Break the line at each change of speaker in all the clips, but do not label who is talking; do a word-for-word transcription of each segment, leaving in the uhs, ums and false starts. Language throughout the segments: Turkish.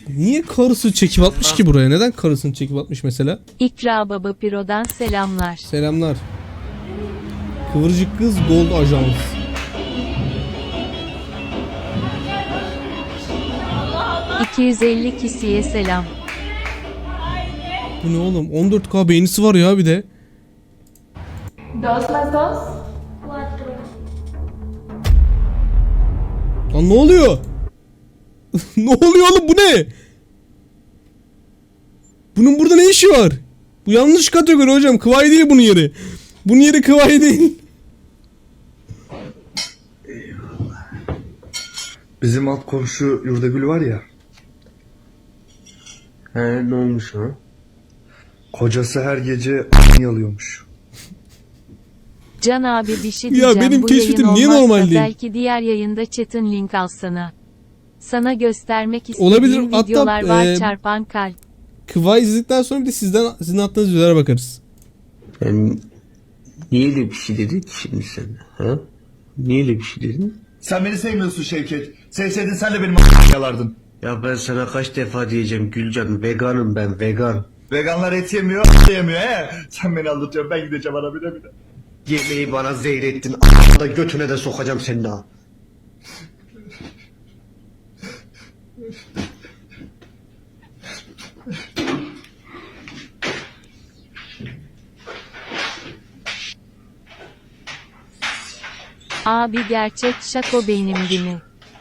Niye karısı çekip atmış ki buraya? Neden karısını çekip atmış mesela?
İkra Baba Piro'dan selamlar.
Selamlar. Kıvırcık kız Gold Ajans.
iki yüz elli kişiye selam.
Bu ne oğlum? on dört K beğenisi var ya bir de.
Dos más dos.
Lan ne oluyor? Ne oluyor oğlum, bu ne? Bunun burada ne işi var? Bu yanlış kategori hocam. Kıvay değil bunun yeri. Bunun yeri Kıvay değil.
Bizim alt komşu Yurdagül var ya.
He, ne olmuş ha?
Kocası her gece yalıyormuş.
Can abi bir şey
Ya
diyeceğim.
benim
Bu
keşfetim
yayın
niye
olmazsa
normal değil?
belki diğer yayında chat'in link alsana. Sana göstermek istediğim
Olabilir. Hatta,
videolar var,
e,
çarpan kalp.
Kıvay izledikten sonra bir de sizden sizin attığınız videolara bakarız.
Yani niye öyle bir şey dedin ki şimdi sen? Ha? Niye öyle bir şey dedin?
Sen beni sevmiyorsun Şevket. Sevseydin sen de benim a**ımı yalardın.
Ya ben sana kaç defa diyeceğim Gülcan, veganım ben, vegan.
Veganlar et yemiyor, a** yemiyor he. Sen beni anlatıyorsun, ben gideceğim ana bile bile.
Yemeği bana zehrettin, a**ına da götüne de sokacağım seni daha.
Abi gerçek şako benimdi mi?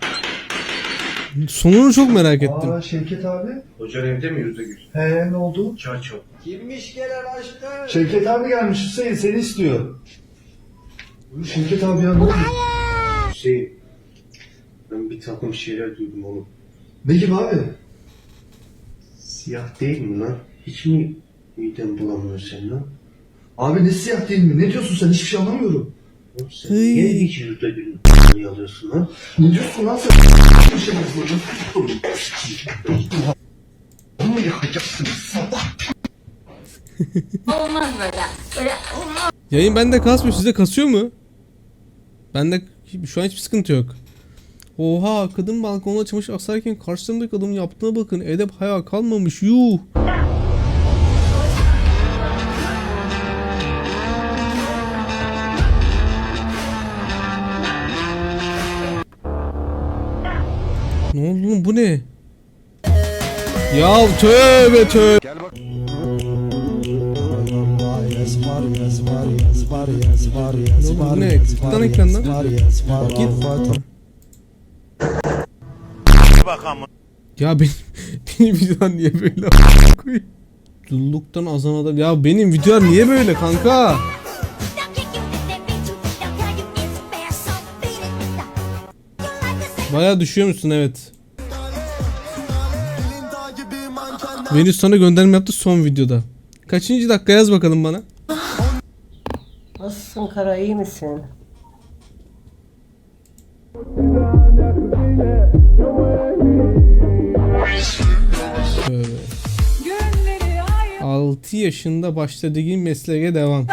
Sonunu çok merak ettim.
Aa Şevket abi.
Hocan evde mi Yüzdegül?
He ne oldu?
Çaço.
Kimmiş gelen aşkım? Şevket abi gelmiş Hüseyin, seni istiyor. Buyur Şevket abi ya, ne oldu?
Hüseyin, ben bir takım şeyler duydum oğlum.
Ne gibi abi?
Siyah değil mi lan? Hiç mi miden bulamıyor senin lan?
Abi ne siyah değil mi? Ne diyorsun sen? Hiçbir şey anlamıyorum.
Oğlum sen
Hıy.
niye hiç Yüzdegül'ün a**ını alıyorsun lan?
Ne diyorsun lan sen? Bir şey yapmadın. Bunu yakacaksın sabah.
Olmaz böyle. Böyle olmaz.
Yayın bende kasmıyor. Sizde kasıyor mu? Bende şu an hiçbir sıkıntı yok. Oha, kadın balkonda çamaşır asarken karşısındaki adamın yaptığına bakın. Edep haya kalmamış. Yuh. Ne oldu oğlum, bu ne? Ya tövbe tövbe. Ne oldu, bu ne? Tıklan ekrandan. Git. Ya benim, benim videolar niye böyle koyayım? Dulluktan azan adam. Ya benim videolar niye böyle kanka? Bayağı düşüyor musun? Evet. Venüs sana gönderme yaptı son videoda. Kaçıncı dakika yaz bakalım bana.
Nasılsın Kara, iyi misin?
Tövbe. altı yaşında başladığın mesleğe devam.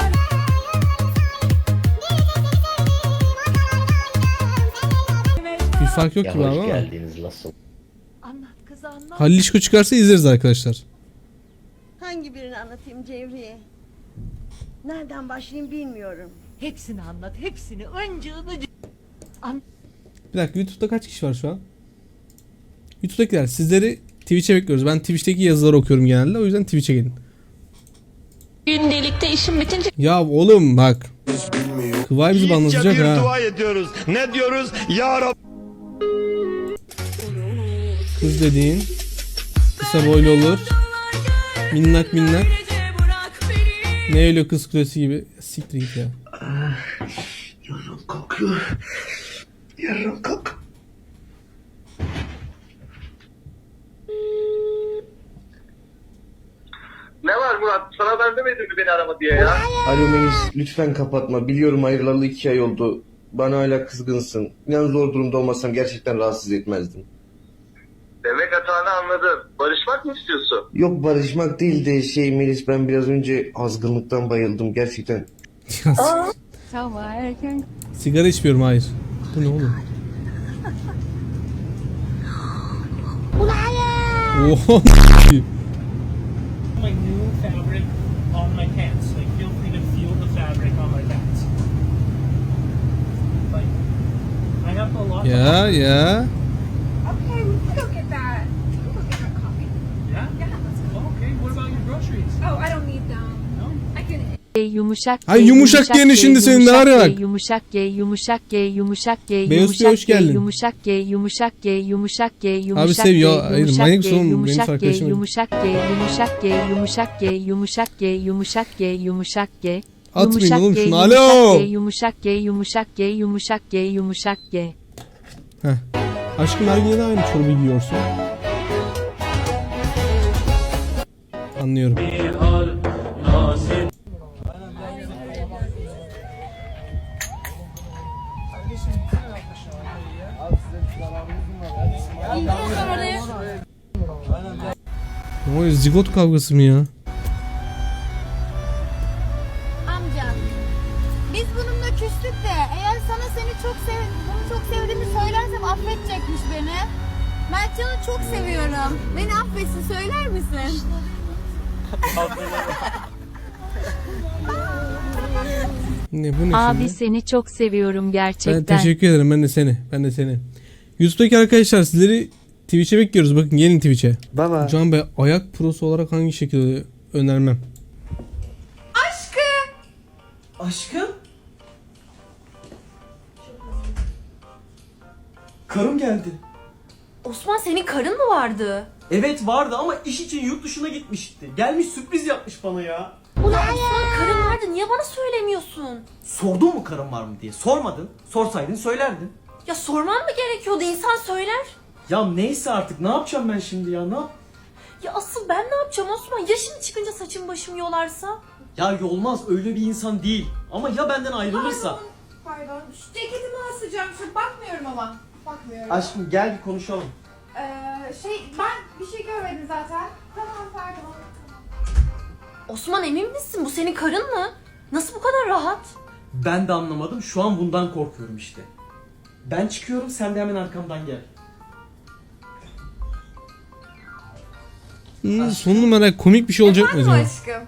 Bir fark yok gibi ama.
nasıl?
Halil İşko çıkarsa izleriz arkadaşlar.
Hangi birini anlatayım Cevriye? Nereden başlayayım bilmiyorum.
Hepsini anlat, hepsini. Öncığını...
Bir dakika, YouTube'da kaç kişi var şu an? YouTube'dakiler, sizleri Twitch'e bekliyoruz. Ben Twitch'teki yazıları okuyorum genelde. O yüzden Twitch'e gelin.
Gündelikte işim bitince...
Ya oğlum bak. Kıvay bizi banlatacak ha.
dua ediyoruz. Ne diyoruz? Ya Rab...
Kız dediğin kısa boylu olur. Minnak minnak. Ne öyle kız kulesi gibi. Siktir git ya.
Yarın kalkıyor. Yarın kalk.
Ne var Murat? Sana ben demedim mi beni arama diye ya?
Alo Melis, lütfen kapatma. Biliyorum ayrılalı iki ay oldu. Bana hala kızgınsın. İnan zor durumda olmasam gerçekten rahatsız etmezdim.
Demek hatanı anladım. Barışmak mı istiyorsun?
Yok, barışmak değil de şey Melis, ben biraz önce azgınlıktan bayıldım gerçekten.
Sabah erken.
Sigara içmiyorum, hayır. Bu ne oğlum? Oha.
My new fabric on my pants. Like, feel free to feel the fabric on my pants. Like, I have a lot.
Ya ya.
Okay, we can go get that. We can go get that coffee.
Yeah.
Yeah, let's go.
Oh, okay. What about your groceries?
Oh, I don't need them.
No.
I can.
G yumuşak G,
Ay, yumuşak G'nin şimdi senin de var ya bak.
Yumuşak G yumuşak G yumuşak G
Beyaz Bey, hoş
yumuşak G
geldin.
yumuşak G yumuşak G yumuşak G yumuşak
sev ya,
G,
hayır,
yumuşak
manyak
G,
mısın oğlum? Benim
yumuşak G
arkadaşım.
yumuşak G yumuşak G yumuşak G yumuşak G yumuşak G yumuşak G
Atmayın
yumuşak
oğlum
G,
şunu.
yumuşak
Alo.
G, yumuşak G yumuşak G yumuşak G yumuşak G.
Heh. Aşkım her gün neden aynı çorbayı giyiyorsun? Anlıyorum. Ne oluyor, zigot kavgası mı ya?
Amca, biz bununla küstük de eğer sana seni çok sev bunu çok sevdiğimi söylersem affedecekmiş beni. Mertcan'ı çok seviyorum. Beni affetsin, söyler misin?
Ne bu ne
Abi
şimdi?
seni çok seviyorum
Ben
gerçekten.
teşekkür ederim, ben de seni. Ben de seni. YouTube'daki arkadaşlar sizleri Twitch'e bekliyoruz. Bakın gelin Twitch'e.
Baba.
Can Bey ayak prosu olarak hangi şekilde önermem?
Aşkım? Karım geldi.
Osman senin karın mı vardı?
Evet vardı ama iş için yurt dışına gitmişti. Gelmiş sürpriz yapmış bana ya.
Ulan Osman karın vardı niye bana söylemiyorsun?
Sordun mu karım var mı diye. Sormadın. Sorsaydın söylerdin.
Ya sorman mı gerekiyordu insan söyler.
Ya neyse artık ne yapacağım ben şimdi ya ne yap?
Ya asıl ben ne yapacağım Osman? Ya şimdi çıkınca saçım başım yolarsa?
Ya yolmaz öyle bir insan değil. Ama ya benden ayrılırsa?
Pardon, şu ceketimi asacağım. Şu bakmıyorum ama. Bakmıyorum.
Aşkım gel bir konuşalım.
Ee, şey, ben bir şey görmedim zaten. Tamam, pardon.
Osman emin misin bu senin karın mı? Nasıl bu kadar rahat?
Ben de anlamadım şu an bundan korkuyorum işte. Ben çıkıyorum sen de hemen arkamdan gel.
Hmm, son numara komik bir şey olacak mı acaba?
aşkım?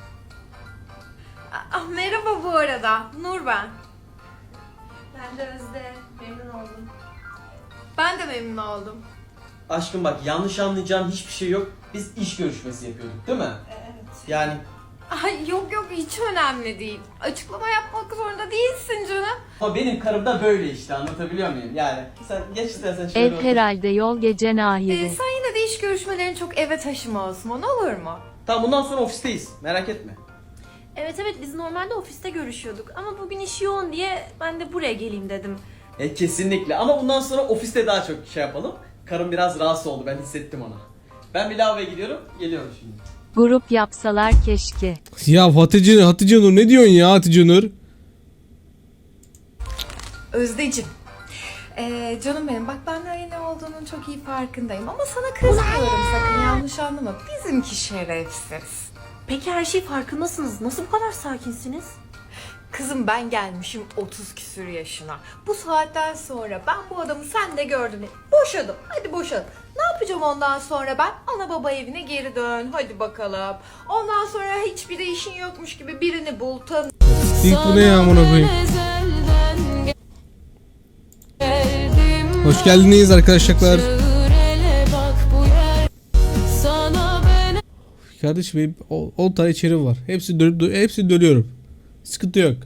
Ah, merhaba bu arada. Nur ben. Ben de Özde. Memnun oldum. Ben de memnun oldum.
Aşkım bak yanlış anlayacağın hiçbir şey yok. Biz iş görüşmesi yapıyorduk değil mi?
Evet.
Yani
Ay yok yok hiç önemli değil. Açıklama yapmak zorunda değilsin canım.
ama benim karım da böyle işte anlatabiliyor muyum? Yani sen geç istersen şöyle
Ev
otur.
herhalde yol gece
Ee,
nahiri.
sen yine de iş görüşmelerini çok eve taşıma Osman, olur mu?
Tamam bundan sonra ofisteyiz merak etme.
Evet evet biz normalde ofiste görüşüyorduk ama bugün iş yoğun diye ben de buraya geleyim dedim.
E kesinlikle ama bundan sonra ofiste daha çok şey yapalım. Karım biraz rahatsız oldu ben hissettim ona. Ben bir lavaboya gidiyorum geliyorum şimdi.
Grup yapsalar keşke.
Ya Hatice, Hatice Nur ne diyorsun ya Hatice Nur?
Özdeciğim. Ee, canım benim bak ben de ne olduğunun çok iyi farkındayım ama sana kızmıyorum, sakın yanlış anlama. Bizimki şerefsiz.
Peki her şey farkındasınız. Nasıl bu kadar sakinsiniz?
Kızım ben gelmişim otuz küsür yaşına. Bu saatten sonra ben bu adamı sen de gördün. Boşadım. Hadi boşadım. Ne yapacağım ondan sonra ben? Ana baba evine geri dön. Hadi bakalım. Ondan sonra hiçbir de işin yokmuş gibi birini bul, tanı.
İlk bu ne ya amına koyayım? Hoş geldiniz arkadaşlar. Kardeşim benim on tane içeri var. Hepsi dönüp dö- hepsi dönüyorum. Sıkıntı yok.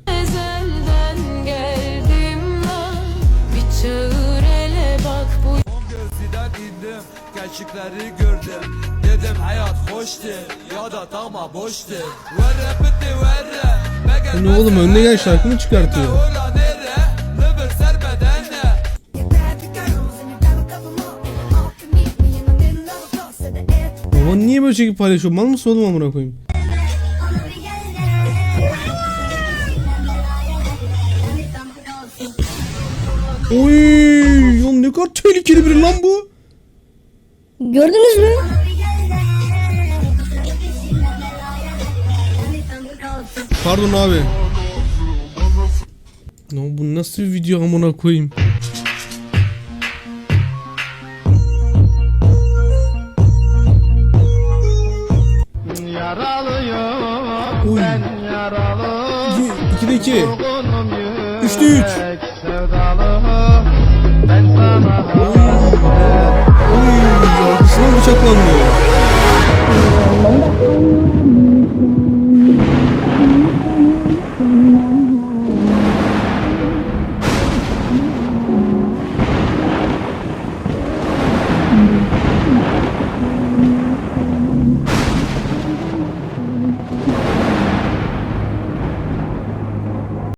Gerçekleri gördüm. Dedim hayat hoştu ya da tama boştu. Verre bitti verre.
Bu ne oğlum, önüne gel şarkı mı çıkartıyor? Baban niye böyle çekip paylaşıyor? Mal mısın oğlum amına koyayım? Oy, oğlum ne kadar tehlikeli biri lan bu.
Gördünüz mü?
Pardon abi. Ne bu nasıl bir video amına koyayım? iki. Üçte üç. Oy, oy, arkasından bıçaklandı.